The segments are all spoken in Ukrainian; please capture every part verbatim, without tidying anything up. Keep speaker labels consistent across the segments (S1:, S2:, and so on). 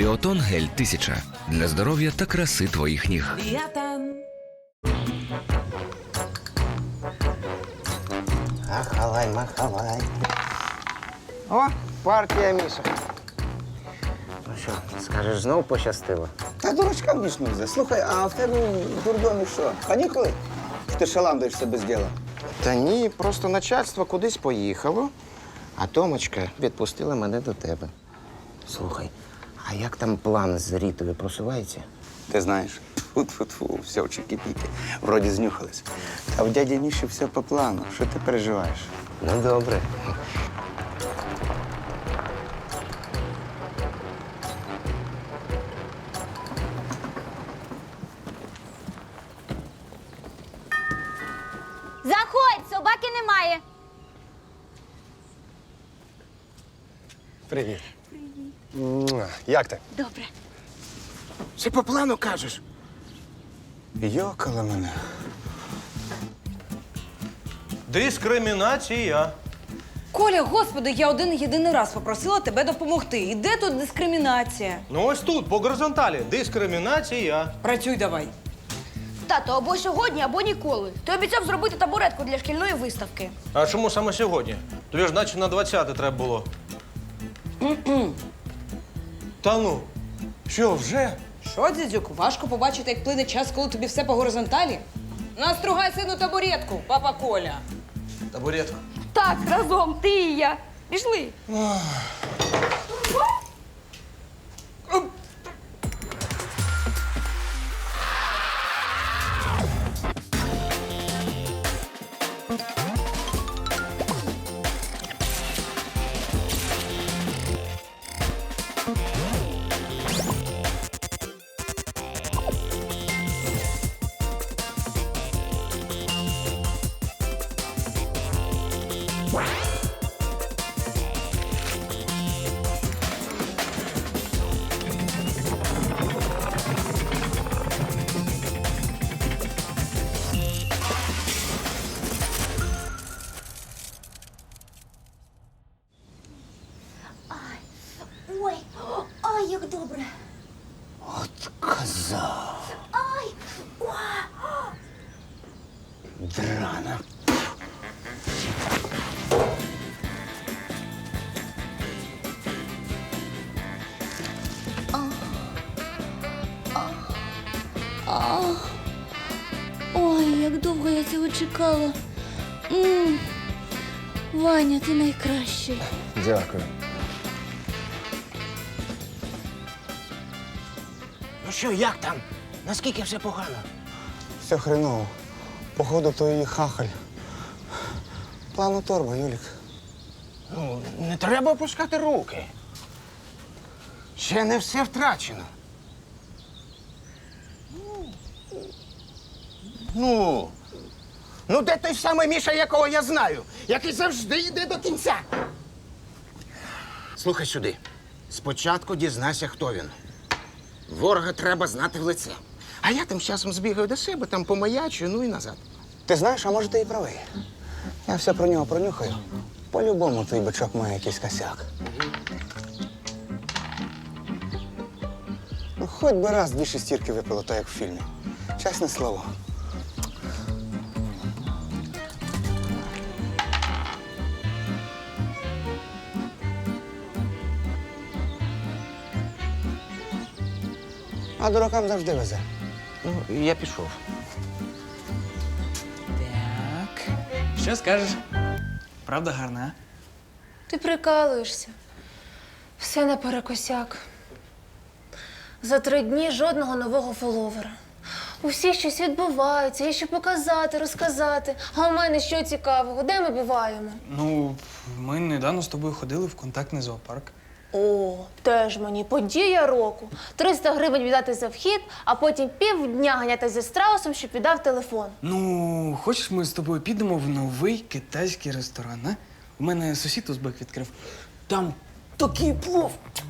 S1: Біотон гель тисяча для здоров'я та краси твоїх ніг.
S2: Біотон.
S3: Махалай, махалай. О, партія, Міша. Ну що, скажеш, знову пощастило?
S4: Та дурачкам ніж не везе. Слухай, а в тебе в дурдомі що? Канікули? Що ти шаландаєшся без діла?
S3: Та ні, просто начальство кудись поїхало, а Томочка відпустила мене до тебе. Слухай, а як там план з Рітою просувається?
S4: Ти знаєш, тьфу-тьфу-тьфу, все в чики-піки. Вроді знюхались. А в дяді Міші все по плану. Що ти переживаєш?
S3: Ну, добре.
S5: Заходь, собаки немає.
S6: Привіт. Привіт. Як ти?
S5: Добре.
S3: Все по плану кажеш?
S4: Йокала мене.
S7: Дискримінація.
S2: Коля, господи, я один єдиний раз попросила тебе допомогти. І де тут дискримінація?
S7: Ну ось тут, по горизонталі. Дискримінація.
S2: Працюй давай.
S5: Тато, або сьогодні, або ніколи. Ти обіцяв зробити табуретку для шкільної виставки.
S7: А чому саме сьогодні? Тобі ж наче на двадцяте треба було. Та ну, що, вже?
S2: Що, дідюк, важко побачити, як плине час, коли тобі все по горизонталі? Настругай сину табуретку, папа Коля.
S7: Табуретка.
S5: Так, разом, ти і я. Пішли. Ой, ай, як добре.
S4: От коза.
S5: Ай,
S4: Драна.
S5: ой, як довго я цього чекала. М, Ваня, ти найкращий.
S6: Дякую.
S3: Ну що, як там? Наскільки все погано?
S4: Все хреново. Походу, то її хахаль. Плану торба, Юлік.
S3: Ну, не треба опускати руки. Ще не все втрачено. Ну, ну де той самий Міша, якого я знаю, який завжди йде до кінця? Слухай сюди. Спочатку дізнайся, хто він. Ворога треба знати в лице. А я тим часом збігаю до себе, там помаячу, ну і назад.
S4: Ти знаєш, а може ти і правий. Я все про нього пронюхаю. По-любому той бичок має якийсь косяк. Ну, хоч би раз дві шестірки випило, так як в фільмі. Чесне слово. А дуракам завжди везе.
S3: Ну, я пішов.
S8: Так. Що скажеш? Правда гарна, а?
S9: Ти прикалуєшся. Все наперекосяк. За три дні жодного нового фоловера. У всіх щось відбувається, є що показати, розказати. А у мене що цікавого? Де ми буваємо?
S8: Ну, ми недавно з тобою ходили в контактний зоопарк.
S9: О, теж мені подія року. триста гривень віддати за вхід, а потім півдня ганяти зі страусом, щоб віддав телефон.
S8: Ну, хочеш, ми з тобою підемо в новий китайський ресторан, а? У мене сусід узбек відкрив. Там такий плов.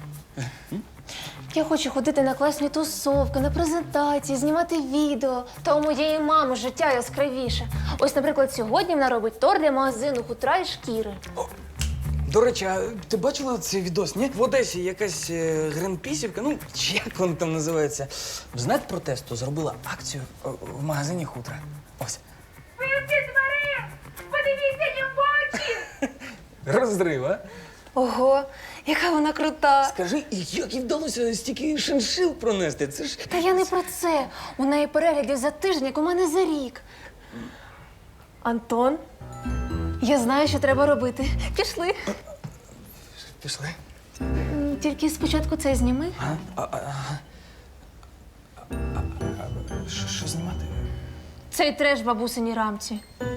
S9: Я хочу ходити на класні тусовки, на презентації, знімати відео. Та у моєї мами життя яскравіше. Ось, наприклад, сьогодні вона робить торт для магазину хутра і шкіри.
S8: До речі, а ти бачила цей відос, ні? В Одесі якась е, гринпісівка, ну, чи як воно там називається, в знак протесту зробила акцію е, в магазині хутра. Ось.
S9: Вивці тварин! Подивіться їм в очі!
S8: Розрив, а?
S9: Ого, яка вона крута!
S8: Скажи, і як їй вдалося стільки шиншил пронести? Це ж...
S9: Та я не про це. У неї переглядів за тиждень, як у мене за рік. Антон, я знаю, що треба робити. Пішли.
S8: Пішли.
S9: М, Тільки спочатку це зніми.
S8: А? А, а, а, а, а, що, що знімати?
S9: Цей треш в бабусиній рамці.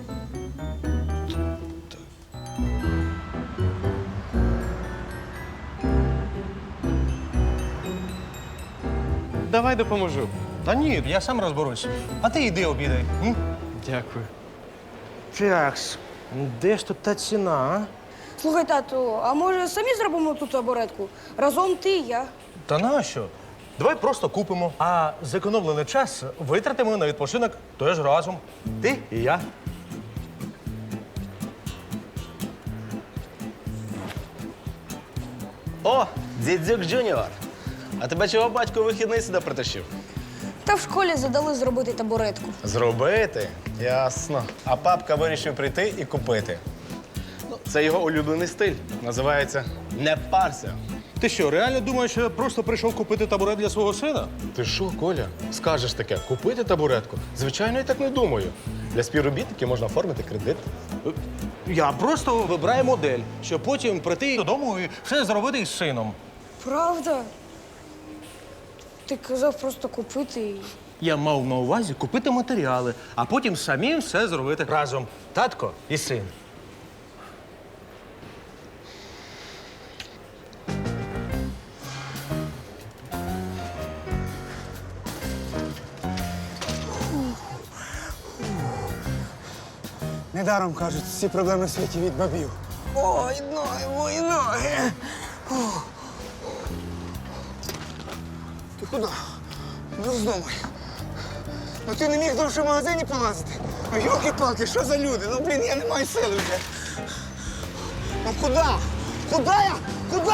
S7: Давай допоможу. Та ні, я сам розберусь. А ти йди обідай. М?
S8: Дякую.
S7: Такс, де ж тут та ціна, а?
S5: Слухай, тату, а може самі зробимо ту табуретку? Разом ти і я.
S7: Та нащо? Давай просто купимо, а зекономлений час витратимо на відпочинок теж разом. Ти і я.
S10: О, дідзюк Джуніор. А тебе чого батько у вихідний сюди притащив?
S5: Та в школі задали зробити табуретку.
S10: Зробити? Ясно. А папка вирішив прийти і купити. Ну, це його улюблений стиль. Називається «Не парся».
S7: Ти що, реально думаєш, що я просто прийшов купити табурет для свого сина?
S10: Ти що, Коля, скажеш таке, купити табуретку? Звичайно, я так не думаю. Для співробітників можна оформити кредит.
S7: Я просто вибираю модель, щоб потім прийти додому і все зробити із сином.
S5: Правда? Ти казав просто купити і.
S7: Я мав на увазі купити матеріали, а потім самим все зробити разом. Татко і син.
S4: Недаром кажуть, всі проблеми в світі від бабів. Ой, ноги, мої ноги. Ух. Ти куди? Не роздумай. Ну ти не міг довше в магазині полазити? Ну, йолки-палки, що за люди? Ну, блін, я не маю сили вже. Ну куди? Куди я? Куди?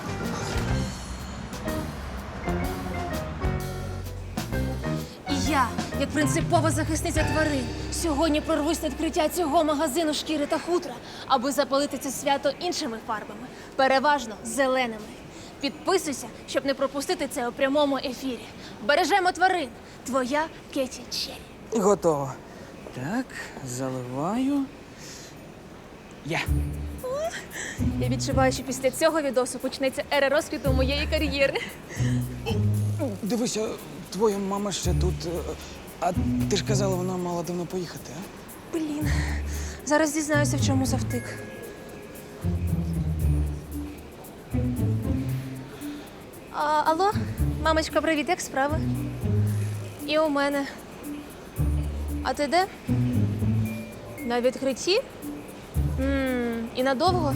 S9: І я, як принципова захисниця тварин, сьогодні прорвусь на відкриття цього магазину шкіри та хутра, аби запалити це свято іншими фарбами, переважно зеленими. Підписуйся, щоб не пропустити це у прямому ефірі. Бережемо тварин. Твоя Кеті Черрі.
S8: Готово. Так, заливаю. Є.
S9: Я відчуваю, що після цього відосу почнеться ера розквіту моєї кар'єри.
S8: Дивися, твоя мама ще тут. е, А ти ж казала, вона мала давно поїхати, а?
S9: Блін, зараз дізнаюся, в чому завтик. А, алло, мамочка, привіт, як справи? І у мене. А ти де? На відкритті? м і надовго?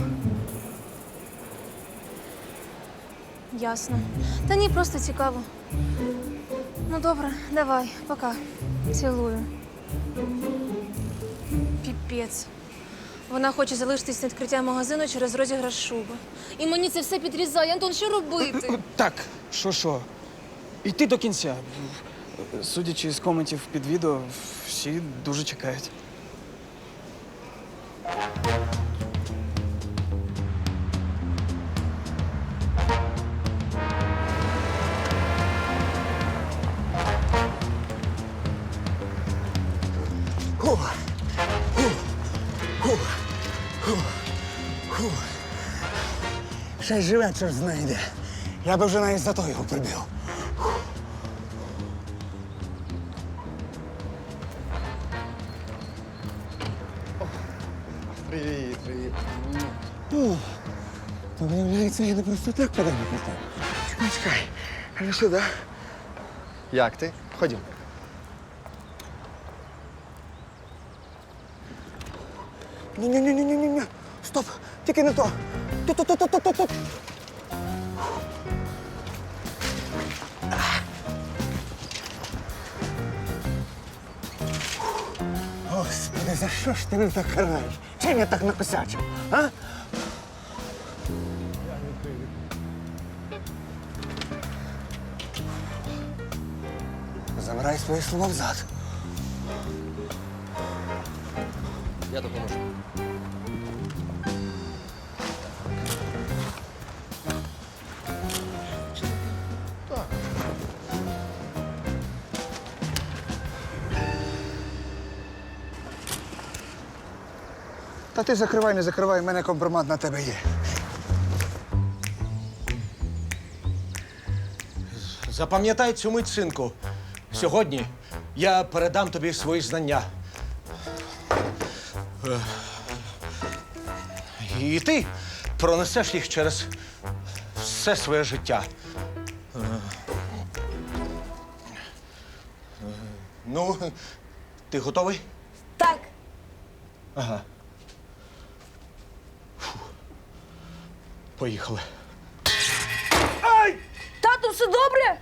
S9: Ясно. Та ні, просто цікаво. Ну добре, давай, пока. Цілую. Піпець. Вона хоче залишитись на відкриття магазину через розіграш шуби. І мені це все підрізає. Антон, що робити?
S8: Так, що що? Йти до кінця. Судячи з коментів під відео, всі дуже чекають.
S4: Ще й живе, чорт знайде. Я би вже навіть за то його прибив. Привіт, привіт. О, то виявляється, я не просто так подав питав. Чекай, чекай. А сюди.
S6: Як ти? Ходім.
S4: Ні-ні-ні-ні-ні-ні. Стоп, тільки не то. Тут-тут-тут-тут-тут. Господи, за що ж ти мене так караєш? Чим я так накосячив, а? Забирай свої слова взад.
S6: Я допоможу.
S4: Та ти закривай, не закривай, в мене компромат на тебе є.
S7: Запам'ятай цю мить, синку. Сьогодні я передам тобі свої знання. Е, І ти пронесеш їх через все своє життя. Е, е, Ну, ти готовий?
S5: Так.
S7: Ага. Фу. Поїхали.
S5: Тату, все добре?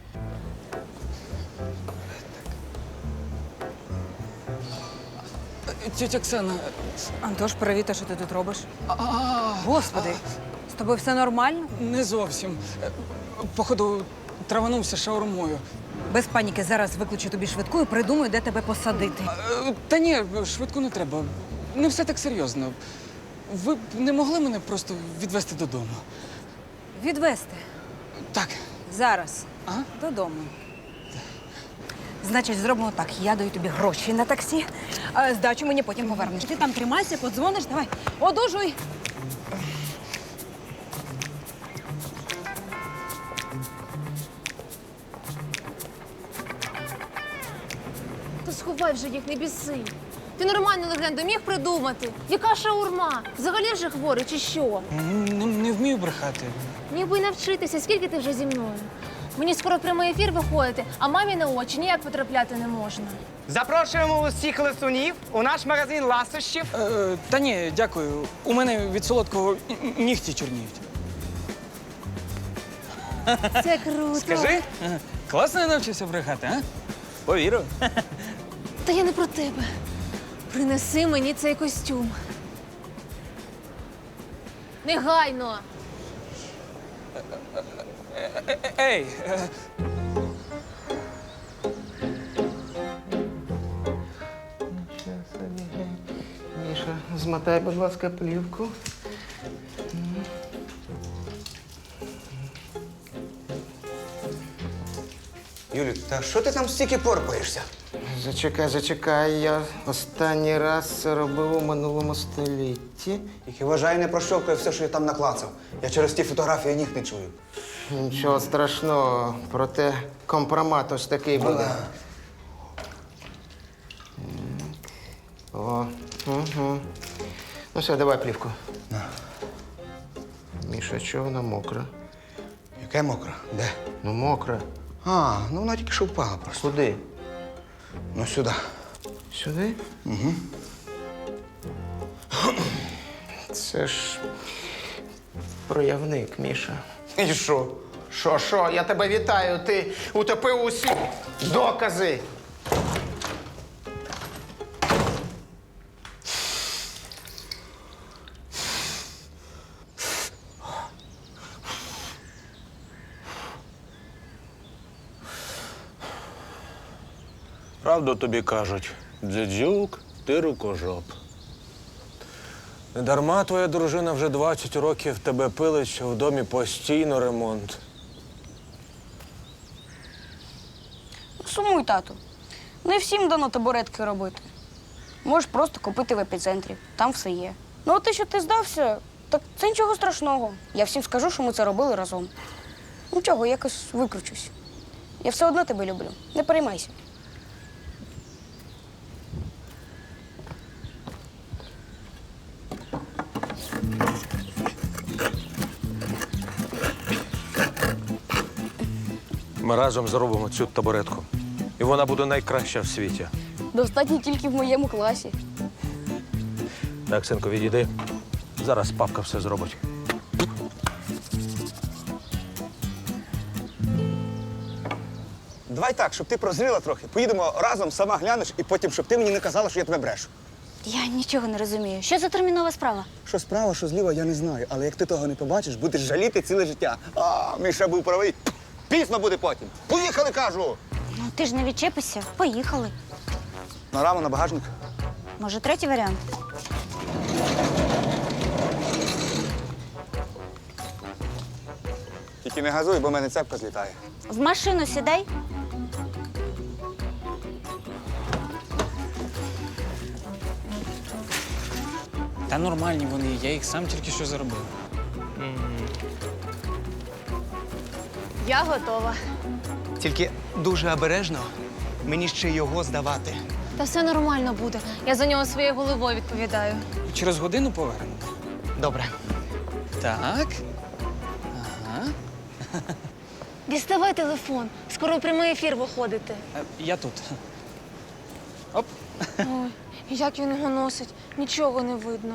S8: Тетя Оксана,
S2: Антош, привіт, а що ти тут робиш? Господи, з тобою все нормально?
S8: не зовсім. Е, Походу, траванувся шаурмою.
S2: Без паніки, зараз викличу тобі швидку і придумаю, де тебе посадити.
S8: Е, Та ні, швидко не треба. Не все так серйозно. Ви б не могли мене просто відвезти додому?
S2: Відвезти.
S8: Так.
S2: Зараз.
S8: Ага.
S2: Додому. Значить, зробимо так. Я даю тобі гроші на таксі, а здачу мені потім повернеш. Ти там тримайся, подзвониш, давай. Одужуй.
S9: Та сховай вже їх, не біси. Ти нормальну легенду міг придумати? Яка шаурма? Взагалі вже хворий чи що?
S8: Не, не вмію брехати.
S9: Міг би й навчитися, скільки ти вже зі мною? Мені скоро в прямий ефір виходити, а мамі на очі ніяк потрапляти не можна.
S11: Запрошуємо усіх ласунів у наш магазин ласощів.
S8: Е, та ні, дякую. У мене від солодкого н- нігті чорніють.
S9: Це круто.
S8: Скажи, ага. Класно я навчився брехати, а? Повірю.
S9: Та я не про тебе. Принеси мені цей костюм. Негайно.
S8: Ей, е,
S3: Міша, змотай, будь ласка, плівку.
S4: Юлік, та що ти там стільки порпаєшся?
S3: Зачекай, зачекай. Я останній раз це робив у минулому столітті.
S4: Тільки вважай, не прощовкай все, що я там наклацав. Я через ті фотографії ніг не чую.
S3: Нічого страшного, проте компромат ось такий буде. О, угу. Ну все, давай плівку. Міша, чого вона мокра?
S4: Яке мокре? Де?
S3: Ну, мокра.
S4: А, ну вона тільки що впала просто.
S3: Куди?
S4: Ну сюди.
S3: Сюди? Угу. Це ж проявник, Міша.
S4: І що?
S3: Що, що? Я тебе вітаю. Ти утопив усі докази.
S10: Правду тобі кажуть, дзюдзюк, ти рукожоп. Недарма твоя дружина вже двадцять років тебе пилить, що в домі постійно ремонт.
S5: Сумуй, тату. Не всім дано табуретки робити. Можеш просто купити в епіцентрі. Там все є. Ну, а те, що ти здався, так це нічого страшного. Я всім скажу, що ми це робили разом. Нічого, якось викручусь. Я все одно тебе люблю. Не переймайся.
S7: Ми разом зробимо цю табуретку. І вона буде найкраща в світі.
S5: Достатньо тільки в моєму класі.
S7: Так, синку, відійди. Зараз папка все зробить.
S4: Давай так, щоб ти прозріла трохи. Поїдемо разом, сама глянеш, і потім, щоб ти мені не казала, що я тебе брешу.
S5: Я нічого не розумію. Що за термінова справа?
S4: Що справа, що зліва, я не знаю. Але як ти того не побачиш, будеш жаліти ціле життя. А, Міша був правий. Пізно буде потім. Поїхали, кажу!
S5: Ну, ти ж не відчепишся. Поїхали.
S4: На раму, на багажник.
S5: Може, третій варіант?
S4: Тільки не газуй, бо в мене цепка злітає.
S5: В машину сідай.
S8: Та нормальні вони, я їх сам тільки що заробив.
S9: Я готова.
S11: Тільки дуже обережно мені ще його здавати.
S9: Та все нормально буде. Я за нього своєю головою відповідаю.
S8: Через годину повернемо.
S11: Добре.
S8: Так. Ага.
S9: Діставай телефон. Скоро в прямий ефір виходите.
S8: Е, Я тут. Оп.
S9: Ой, як він його носить, нічого не видно.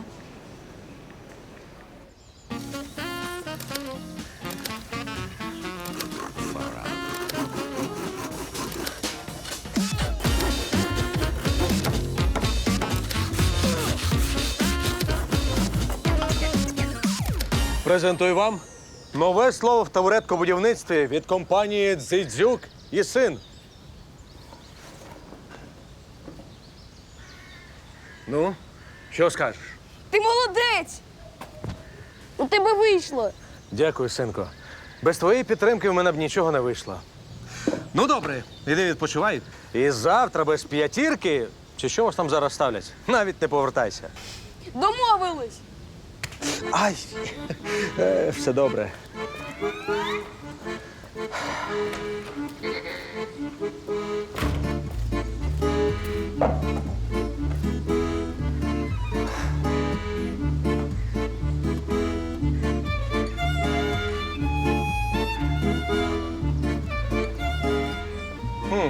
S7: Презентую вам нове слово в табуреткобудівництві від компанії «Дзидзюк і син». Ну, що скажеш?
S5: Ти молодець! У тебе вийшло.
S7: Дякую, синко. Без твоєї підтримки в мене б нічого не вийшло. Ну, добре, іди відпочивай. І завтра без п'ятірки, чи що вас там зараз ставлять, навіть не повертайся.
S5: Домовились!
S7: Ай, е, все добре. Хм.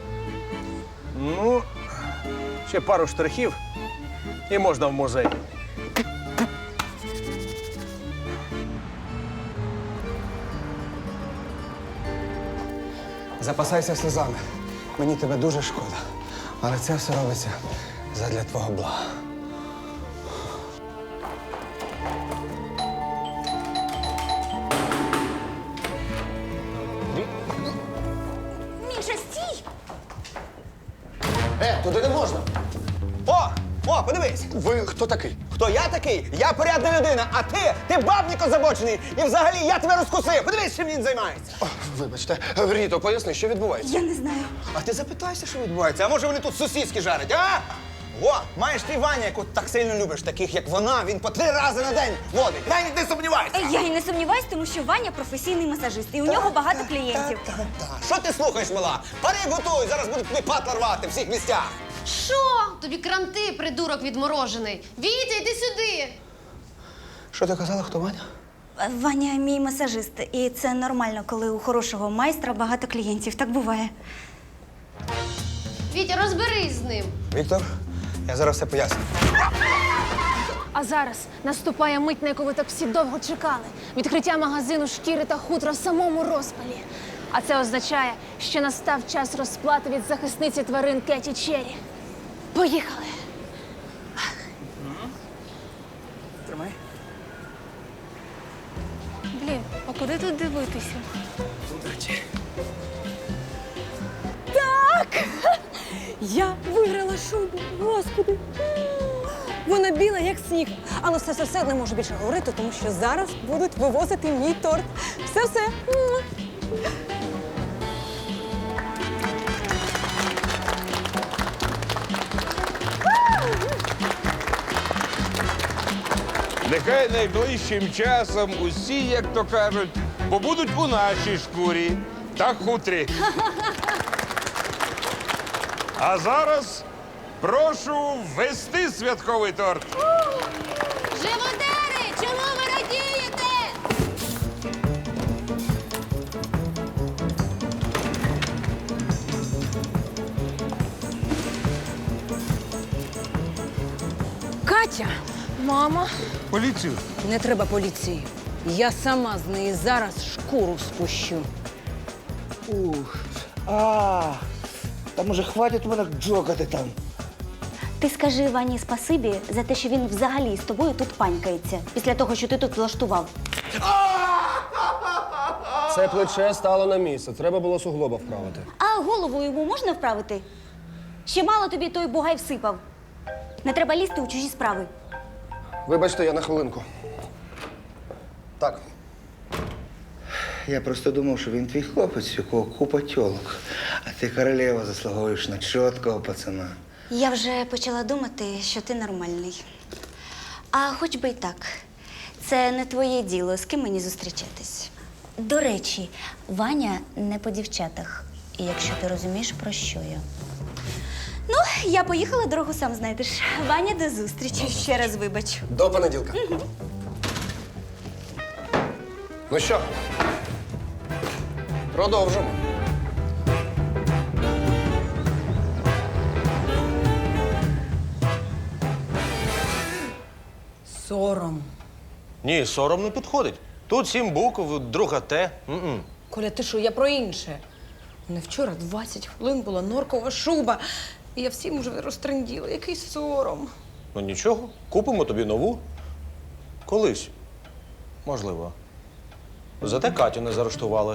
S7: Ну, ще пару штрихів і можна в музей.
S4: Запасайся сльозами. Мені тебе дуже шкода. Але це все робиться задля твого блага.
S5: Міша, стій!
S4: Е, туди не можна.
S11: О! О, подивись!
S4: Ви хто такий?
S11: Хто я такий? Я порядна людина, а ти, ти бабник озабочений. І взагалі я тебе розкусив. Подивись, чим він займається.
S4: О, вибачте, Ріто, поясни, що відбувається?
S5: Я не знаю.
S11: А ти запитайся, що відбувається. А може вони тут сосиски жарять, а? О, маєш ти Ваня, яку так сильно любиш, таких як вона, він по три рази на день водить. Навіть не сумнівайся.
S5: Я і не сумніваюсь, тому що Ваня професійний масажист, і у нього багато клієнтів.
S11: Та, що ти слухаєш, мала? Пари готуй, зараз будуть тобі патла рвати в всіх місцях.
S12: Що? Тобі кранти, придурок відморожений. Вітя, йди сюди.
S4: Що ти казала, хто Ваня?
S5: Ваня мій масажист, і це нормально, коли у хорошого майстра багато клієнтів. Так буває.
S12: Вітя, розберись з ним.
S4: Віктор, я зараз все поясню.
S9: А зараз наступає мить, на яку ви так всі довго чекали. Відкриття магазину шкіри та хутра в самому розпалі. А це означає, що настав час розплати від захисниці тварин Кеті Черрі. Поїхали!
S8: Тримай.
S9: Блін, а куди тут дивитися?
S8: Удачі.
S2: Я виграла шубу, господи. Вона біла, як сніг. Але все-все-все не можу більше говорити, тому що зараз будуть вивозити мій торт. Все-все.
S13: Нехай найближчим часом усі, як то кажуть, побудуть у нашій шкурі та хутрі. А зараз прошу ввести святковий торт.
S12: Живодери, чому ви радієте?
S2: Катя!
S9: Мама,
S13: Поліцію.
S2: Не треба поліції. Я сама з неї зараз шкуру спущу.
S4: Ух. А, та може хватить мене джокати там.
S5: Ти скажи Вані спасибі за те, що він взагалі з тобою тут панькається, після того, що ти тут влаштував.
S10: Це Все плече стало на місце. Треба було суглоба вправити.
S14: А голову йому можна вправити? Ще мало тобі той бугай всипав. Не треба лізти у чужі справи.
S10: Вибачте, я на хвилинку. Так.
S11: Я просто думав, що він твій хлопець, у кого купа тьолок. А ти королева заслуговуєш на чіткого пацана.
S14: Я вже почала думати, що ти нормальний. А хоч би й так. Це не твоє діло, з ким мені зустрічатись. До речі, Ваня не по дівчатах. І якщо ти розумієш, про що я. Ну, я поїхала, дорогу сам знайдеш. Ваня, до зустрічі. Ще раз вибач.
S10: До понеділка. Ну що? Продовжимо.
S2: Сором.
S7: Ні, сором не підходить. Тут сім букв, друга Т. М-м.
S2: Коля, ти що, я про інше. Не вчора двадцять хвилин була норкова шуба. І я всім вже розтренділа. Який сором.
S7: Ну нічого, купимо тобі нову. Колись. Можливо. Зате Катю не заарештували.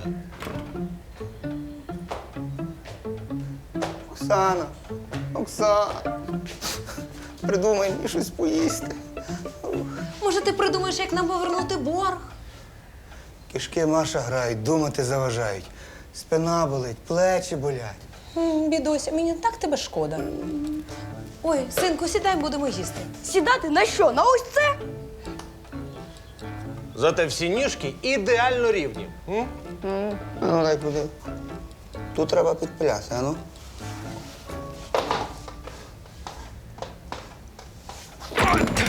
S4: Оксана, Оксана, придумай мені щось поїсти.
S2: Може, ти придумаєш, як нам повернути борг?
S4: Кишки Маша грають, думати заважають. Спина болить, плечі болять.
S2: М, Бідося, мені так тебе шкода. Ой, синку, сідай, будемо їсти.
S5: Сідати на що? На ось це?
S7: Зате всі ніжки ідеально рівні. М?
S4: А ну дай подив. Тут треба підпиляти, а ну.
S7: Ой!